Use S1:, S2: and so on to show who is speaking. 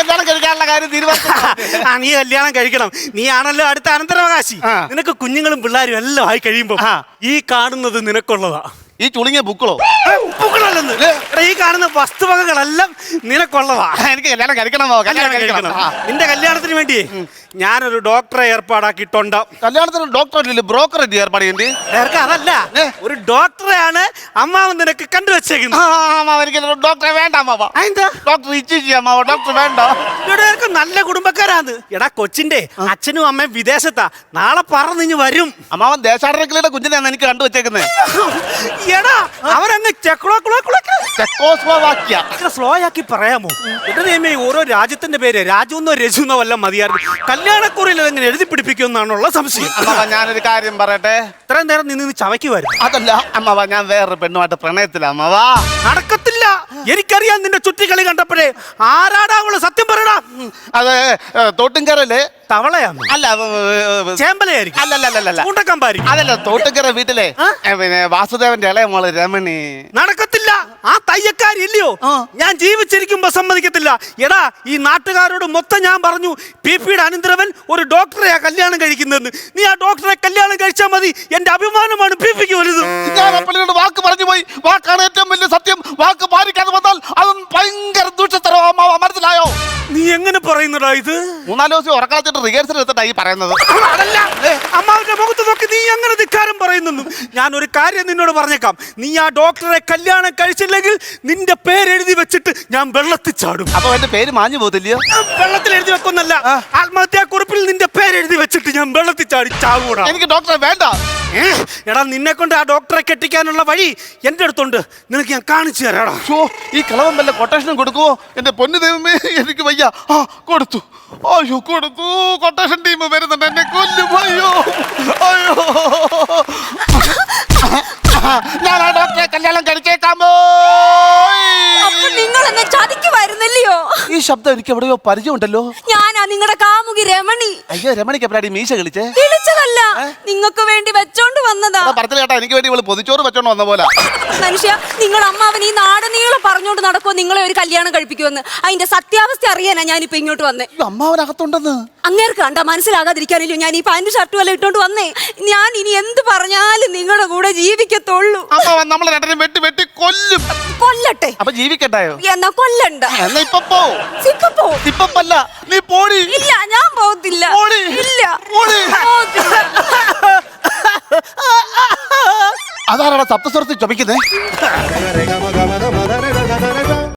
S1: കല്യാണം കഴിക്കാനുള്ള കാര്യം തീരുമാനിച്ചു.
S2: നീ കല്യാണം കഴിക്കണം. നീ ആണല്ലോ അടുത്ത അനന്തരാവകാശി. നിനക്ക് കുഞ്ഞുങ്ങളും പിള്ളേരും എല്ലാം ആയി കഴിയുമ്പോ ഈ കാണുന്നത് നിനക്കുള്ളതാ.
S1: ഈ ചുളുങ്ങിയ ബുക്കളോ?
S2: ബുക്കളല്ലെന്ന് ഈ കാണുന്ന വസ്തുവകകളെല്ലാം നിനക്കുള്ളതാ.
S1: എനിക്ക് കല്യാണം കഴിക്കണമോ? കല്യാണം കഴിക്കണം.
S2: നിന്റെ കല്യാണത്തിന് വേണ്ടി ഞാനൊരു ഡോക്ടറെ ഏർപ്പാടാക്കിയിട്ടുണ്ട്.
S1: കല്യാണത്തിന് ഡോക്ടർ ബ്രോക്കർ ഏർപ്പാട് ചെയ്യണ്ടേ?
S2: അതല്ല, ഒരു ഡോക്ടറെയാണ് അമ്മാവൻ നിനക്ക് കണ്ടുവച്ചേക്കുന്നത്.
S1: എനിക്ക് ഡോക്ടറെ വേണ്ട അമ്മാവ. ഡോക്ടർ ഇച്ഛിച്ചു അമ്മാവ, ഡോക്ടർ വേണ്ട.
S2: ഇവിടെ നല്ല കുടുംബക്കാരാണ്. എടാ കൊച്ചിന്റെ അച്ഛനും അമ്മയും വിദേശത്താ. നാളെ പറന്നിഞ്ഞ് വരും.
S1: അമ്മാവൻ ദേശാടനക്കിളിയുടെ കുഞ്ഞിനെയാണ് എനിക്ക് കണ്ടുവച്ചേക്കുന്നത്.
S2: എടാ അവരങ്ങ് സ്ലോ ആക്കി പറയാമോ? എന്റെ ഓരോ രാജ്യത്തിന്റെ പേര് രാജുന്നോ രജുന്നോ വല്ലതും മതിയായിരുന്നു. കല്യാണക്കുറിയിൽ അതെങ്ങനെ എഴുതി പിടിപ്പിക്കുമെന്നാണുള്ള സംശയം.
S1: ഞാനൊരു കാര്യം പറയട്ടെ.
S2: ഇത്രയും നേരം നിന്ന് ചവയ്ക്കുമായിരുന്നു.
S1: അതല്ല അമ്മാവ, ഞാൻ വേറൊരു പെണ്ണുമായിട്ട് പ്രണയത്തില അമ്മാവ.
S2: നടക്കത്തില്ല. എനിക്കറിയാം നിന്റെ ചുറ്റിക്കളി കണ്ടപ്പോഴേ. ആരാടാ അവള്? സത്യം പറയടാ.
S1: അത് തോട്ടുംകരല്ലേ?
S2: തവളയാണ്?
S1: അല്ല,
S2: ചേമ്പലയായിരിക്കും.
S1: അതല്ല, തോട്ടുംകര വീട്ടിലെ പിന്നെ വാസുദേവന്റെ ഇളയ മോള് രമണി.
S2: നടക്കത്തില്ല. ആ തയ്യക്കാരില്ലയോ? ഞാൻ ജീവിച്ചിരിക്കുമ്പോ സമ്മതിക്കത്തില്ല. എടാ ഈ നാട്ടുകാരോട് മൊത്തം ഞാൻ പറഞ്ഞു പിപിയുടെ അനന്തരവൻ ഒരു ഡോക്ടറെയാ കല്യാണം കഴിക്കുന്നതെന്ന്. നീ ആ ഡോക്ടറെ കല്യാണം കഴിച്ചാൽ മതി. എന്റെ അഭിമാനമാണ് പിപിക്ക് വലുത്.
S1: ഞാൻ അപ്പനോട് വാക്ക് പറഞ്ഞു പോയി. വാക്കാണ് ഏറ്റവും വലിയ സത്യം. വാക്ക് പാലിക്കാതെ വന്നാൽ അതും ഭയങ്കര ദൂഷത്തരോ അമ്മാവ, മനസ്സിലായോ?
S2: നീ എങ്ങനെ പറയുന്നടാ ഇത്?
S1: 3-4 ദിവസം ഉറക്കളത്തിട്ട് റിഹേഴ്സൽ എടുത്തിട്ടാ ഈ പറയുന്നത്.
S2: അതല്ല, അമ്മാവിന്റെ മുഖത്ത് നോക്കി നീ അങ്ങനെ ധിക്കാരം പറയുന്നു. ഞാൻ ഒരു കാര്യം നിന്നോട് പറഞ്ഞേക്കാം. നീ ആ ഡോക്ടറെ കല്യാണം കഴിച്ചില്ലെങ്കിൽ നിന്റെ പേരെഴുതി വെച്ചിട്ട് ഞാൻ വെള്ളത്തിൽ ചാടും.
S1: അപ്പൊ എന്റെ പേര് മാഞ്ഞു പോകത്തില്ലയോ?
S2: വെള്ളത്തിൽ എഴുതി വെക്കുന്നല്ല, ആത്മഹത്യാക്കുറിപ്പിൽ നിന്റെ പേരെഴുതി വെച്ചിട്ട് ഞാൻ വെള്ളത്തിൽ ചാടി ചാകൂടാ.
S1: എനിക്ക് ഡോക്ടറെ വേണ്ട.
S2: എടാ നിന്നെ കൊണ്ട് ആ ഡോക്ടറെ കെട്ടിക്കാനുള്ള വഴി എന്റെ അടുത്തുണ്ട്. നിനക്ക് ഞാൻ കാണിച്ചു തരാടാ.
S1: ഈ കളവൻ വല്ല കൊട്ടേഷനും കൊടുക്കുവോ? എന്റെ പൊന്നു ദൈവമേ, എനിക്ക് വയ്യ. കൊടുത്തു. അയ്യോ കൊടുത്തു. കൊട്ടേഷൻ ടീം വരുന്നുണ്ട്, എന്നെ കൊല്ലും. അയ്യോ അയ്യോ, ഞാൻ ആ ഡോക്ടറെ കല്യാണം കഴിച്ചേക്കാമോ?
S3: നിങ്ങൾ എന്നെ ചതിക്കുമായിരുന്നല്ലയോ?
S1: ഈ ശബ്ദം എനിക്ക് എവിടെയോ പരിചയമുണ്ടല്ലോ.
S3: ഞാനാ നിങ്ങളുടെ കാമുകി രമണി.
S1: അയ്യോ, രമണിക്ക് എപ്പോഴാടി മീശ കളിച്ചേ?
S3: വിളിച്ചതല്ല, നിങ്ങൾക്ക് വേണ്ടി വെച്ചോണ്ട് വന്നതാ.
S1: പറഞ്ഞില്ല കേട്ടാ, എനിക്ക് വേണ്ടി ഇവള് പൊതിച്ചോറ് വെച്ചോണ്ട് വന്ന പോലെ.
S3: മനുഷ്യ, നിങ്ങൾ അമ്മാവൻ ഈ നാടനീളം പറഞ്ഞോണ്ട് നടക്കുമോ നിങ്ങളെ ഒരു കല്യാണം കഴിപ്പിക്കുമെന്ന്? അതിന്റെ സത്യാവസ്ഥ അറിയാനാ ഞാനിപ്പോ ഇങ്ങോട്ട് വന്നേ.
S1: അമ്മാവനകത്തുണ്ടെന്ന്
S3: അങ്ങേർക്ക് കണ്ട മനസ്സിലാകാതിരിക്കാനില്ലോ ഞാൻ ഈ പാന്റ് ഷർട്ടും എല്ലാം ഇട്ടോണ്ട് വന്നേ. ഞാൻ ഇനി എന്ത് പറഞ്ഞാലും നിങ്ങളുടെ കൂടെ ജീവിക്കത്തുള്ളൂ.
S1: അമ്മാവൻ നമ്മളെ രണ്ടിനും വെട്ടി വെട്ടി കൊല്ലും.
S3: കൊല്ലട്ടെ.
S1: അപ്പൊ ജീവിക്കണ്ടായോ?
S3: എന്നാ കൊല്ലണ്ട.
S1: എന്നാ ഇപ്പൊ പോ. ഇപ്പല്ല, നീ പോടി.
S3: ഇല്ല, ഞാൻ പോകത്തില്ല. ഇല്ല,
S1: അതാരാണ് സപ്തസ്വരത്തിൽ ചുമക്കുന്നേ?